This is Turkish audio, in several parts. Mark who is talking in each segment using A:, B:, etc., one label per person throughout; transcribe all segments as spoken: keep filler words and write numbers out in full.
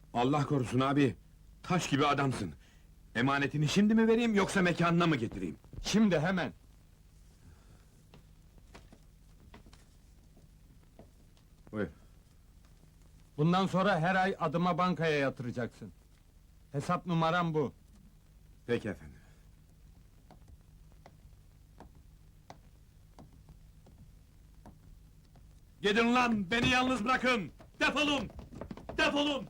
A: Allah korusun abi! Taş gibi adamsın! Emanetini şimdi mi vereyim, yoksa mekanına mı getireyim?
B: Şimdi hemen!
A: Buyur.
B: Bundan sonra her ay adıma bankaya yatıracaksın. Hesap numaram bu.
A: Peki efendim. Gidin lan, beni yalnız bırakın! Defolun! Defolun!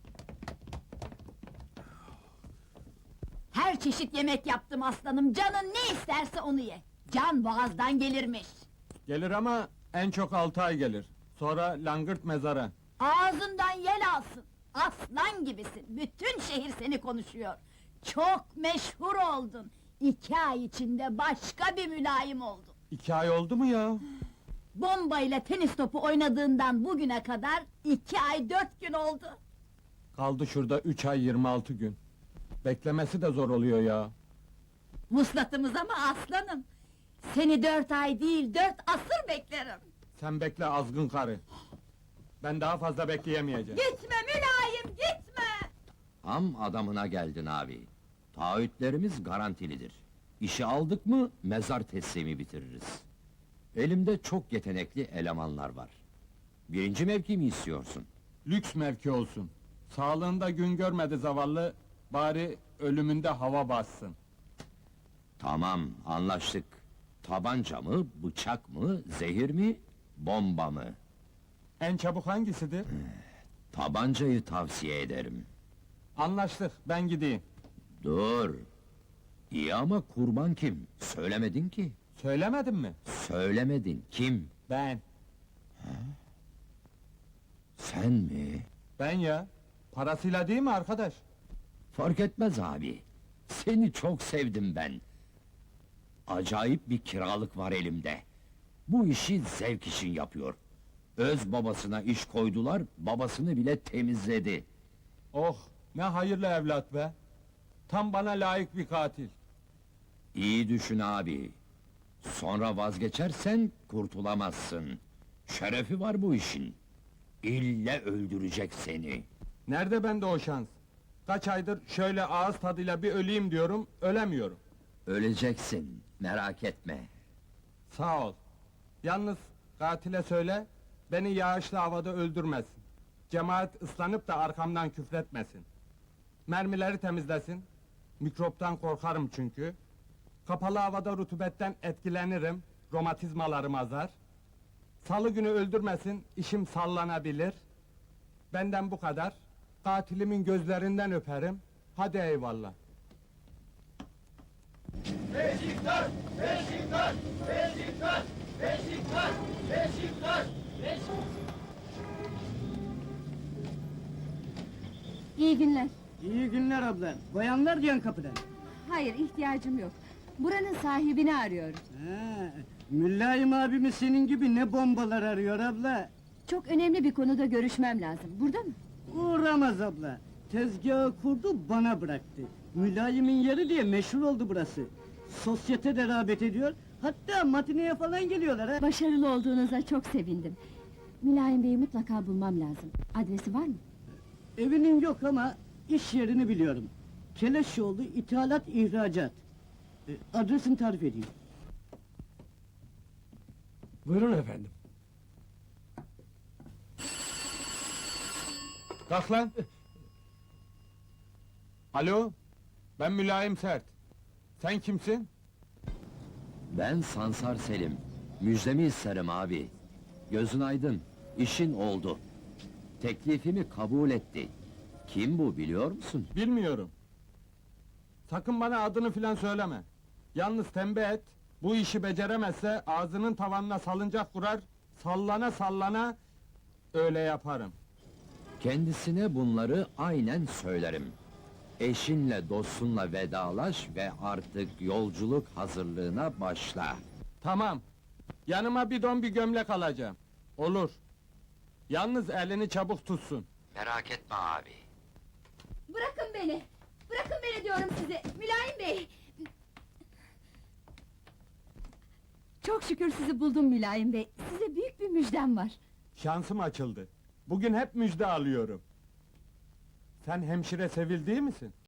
C: Her çeşit yemek yaptım aslanım, canın ne isterse onu ye! Can boğazdan gelirmiş!
B: Gelir ama en çok altı ay gelir. Sonra langırt mezara.
C: Ağzından yel alsın! Aslan gibisin, bütün şehir seni konuşuyor! Çok meşhur oldun! İki ay içinde başka bir mülayim oldun!
B: İki ay oldu mu ya?
C: Bombayla tenis topu oynadığından bugüne kadar iki ay dört gün oldu!
B: Kaldı şurada üç ay yirmi altı gün. Beklemesi de zor oluyor ya.
C: Vuslatımız ama aslanım! Seni dört ay değil, dört asır beklerim!
B: Sen bekle azgın karı. Ben daha fazla bekleyemeyeceğim.
C: Gitme mülayim, gitme!
D: Tam adamına geldin abi. Taahhütlerimiz garantilidir. İşi aldık mı mezar teslimi bitiririz. Elimde çok yetenekli elemanlar var. Birinci mevki mi istiyorsun?
B: Lüks mevki olsun. Sağlığında gün görmedi zavallı, bari ölümünde hava bassın.
D: Tamam, anlaştık. Tabanca mı, bıçak mı, zehir mi, bomba mı?
B: En çabuk hangisidir?
D: Tabancayı tavsiye ederim.
B: Anlaştık, ben gideyim.
D: Dur! İyi ama kurban kim? Söylemedin ki.
B: Söylemedin mi?
D: Söylemedin, kim?
B: Ben.
D: Sen mi?
B: Ben ya. Parasıyla değil mi arkadaş?
D: Fark etmez abi. Seni çok sevdim ben. Acayip bir kiralık var elimde. Bu işi zevk için yapıyor. Öz babasına iş koydular, babasını bile temizledi.
B: Oh, ne hayırlı evlat be! Tam bana layık bir katil.
D: İyi düşün abi. Sonra vazgeçersen kurtulamazsın. Şerefi var bu işin. İlle öldürecek seni.
B: Nerede bende o şans? Kaç aydır şöyle ağız tadıyla bir öleyim diyorum, ölemiyorum.
D: Öleceksin, merak etme.
B: Sağ ol. Yalnız katile söyle, beni yağışlı havada öldürmesin. Cemaat ıslanıp da arkamdan küfretmesin. Mermileri temizlesin. Mikroptan korkarım çünkü. Kapalı havada rutubetten etkilenirim, romatizmalarım azar. Salı günü öldürmesin, işim sallanabilir. Benden bu kadar. Katilimin gözlerinden öperim. Hadi eyvallah.
E: Beşiktaş! Beşiktaş! Beşiktaş! Beşiktaş! Beşiktaş! Beşiktaş!
F: İyi günler.
G: İyi günler abla. Bayanlar diyen kapıdan.
F: Hayır, ihtiyacım yok. Buranın sahibini arıyoruz.
G: Ha, Mülayim abimiz senin gibi ne bombalar arıyor abla.
F: Çok önemli bir konuda görüşmem lazım. Burada mı?
G: Uğramaz abla. Tezgahı kurdu bana bıraktı. Mülayimin yeri diye meşhur oldu burası. Sosyete de rağbet ediyor. Hatta matineye falan geliyorlar ha.
F: Başarılı olduğunuza çok sevindim. Mülayim Bey'i mutlaka bulmam lazım. Adresi var mı?
G: Evinin yok ama iş yerini biliyorum. Keleşoğlu İthalat İhracat. E, adresini tarif edeyim.
B: Buyurun efendim. Kalk lan! Alo, ben Mülayim Sert. Sen kimsin?
D: Ben Sansar Selim. Müjdemi isterim abi. Gözün aydın, işin oldu. Teklifimi kabul etti. Kim bu biliyor musun?
B: Bilmiyorum. Sakın bana adını filan söyleme. Yalnız tembih et, bu işi beceremezse ağzının tavanına salıncak kurar, sallana sallana öyle yaparım.
D: Kendisine bunları aynen söylerim. Eşinle dostunla vedalaş ve artık yolculuk hazırlığına başla.
B: Tamam. Yanıma bir don bir gömlek alacağım. Olur. Yalnız elini çabuk tutsun.
D: Merak etme abi.
F: Bırakın beni! Bırakın beni diyorum size! Mülayim Bey! Çok şükür sizi buldum Mülayim Bey. Size büyük bir müjdem var.
B: Şansım açıldı. Bugün hep müjde alıyorum. Sen hemşire Sevil değil misin?